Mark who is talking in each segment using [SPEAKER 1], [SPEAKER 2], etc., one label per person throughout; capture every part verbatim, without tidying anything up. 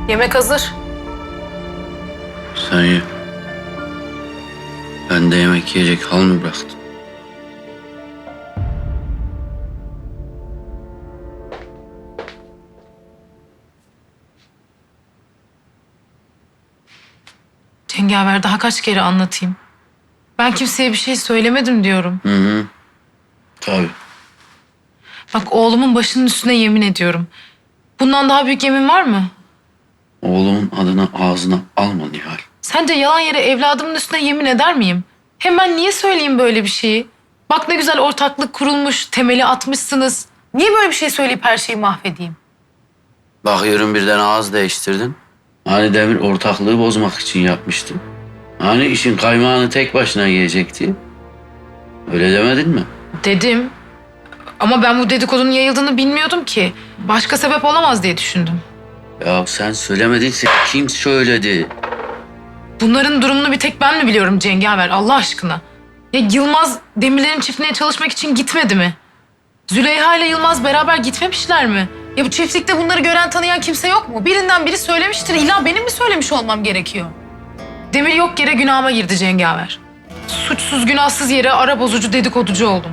[SPEAKER 1] Yemek hazır.
[SPEAKER 2] Sen ye. Ben de yemek yiyecek hal mı bıraktım?
[SPEAKER 1] Cengaver daha kaç kere anlatayım. Ben kimseye bir şey söylemedim diyorum.
[SPEAKER 2] Hı hı. Tabii.
[SPEAKER 1] Bak oğlumun başının üstüne yemin ediyorum. Bundan daha büyük yemin var mı?
[SPEAKER 2] Oğlumun adını ağzına alma Nihal.
[SPEAKER 1] Sence yalan yere evladımın üstüne yemin eder miyim? Hem ben niye söyleyeyim böyle bir şeyi? Bak ne güzel ortaklık kurulmuş, temeli atmışsınız. Niye böyle bir şey söyleyip her şeyi mahvedeyim?
[SPEAKER 2] Bakıyorum birden ağız değiştirdin. Hani Demir ortaklığı bozmak için yapmıştı. Hani işin kaymağını tek başına yiyecekti. Öyle demedin mi?
[SPEAKER 1] Dedim. Ama ben bu dedikodunun yayıldığını bilmiyordum ki. Başka sebep olamaz diye düşündüm.
[SPEAKER 2] Ya sen söylemedinse kim söyledi?
[SPEAKER 1] Bunların durumunu bir tek ben mi biliyorum Cengaver Allah aşkına? Ya Yılmaz Demirler'in çiftliğine çalışmak için gitmedi mi? Züleyha ile Yılmaz beraber gitmemişler mi? Ya bu çiftlikte bunları gören tanıyan kimse yok mu? Birinden biri söylemiştir. İlla benim mi söylemiş olmam gerekiyor? Demir yok yere günahıma girdi Cengaver. Suçsuz günahsız yere ara bozucu dedikoducu oldum.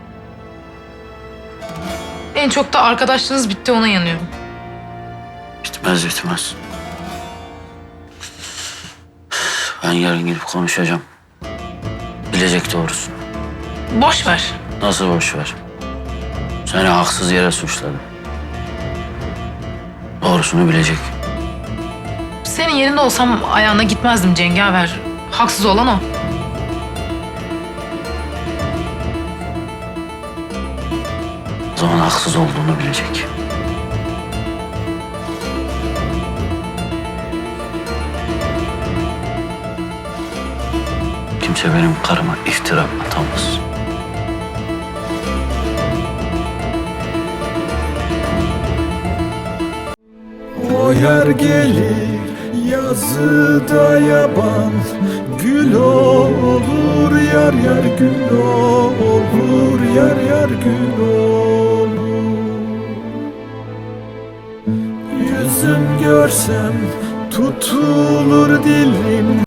[SPEAKER 1] En çok da arkadaşlığınız bitti ona yanıyorum.
[SPEAKER 2] Bitmez bitmez. Ben yarın gidip konuşacağım. Bilecek doğrusunu.
[SPEAKER 1] Boş ver.
[SPEAKER 2] Nasıl boş ver? Seni haksız yere suçladı. Doğrusunu bilecek.
[SPEAKER 1] Senin yerinde olsam ayağına gitmezdim Cengaver. Haksız olan o.
[SPEAKER 2] O zaman haksız olduğunu bilecek. Kimse benim karıma iftira atamaz.
[SPEAKER 3] O yer gelir yazıda yaban, gül olur yar yar gül olur yar yar gül olur. Yüzüm görsem tutulur dilim.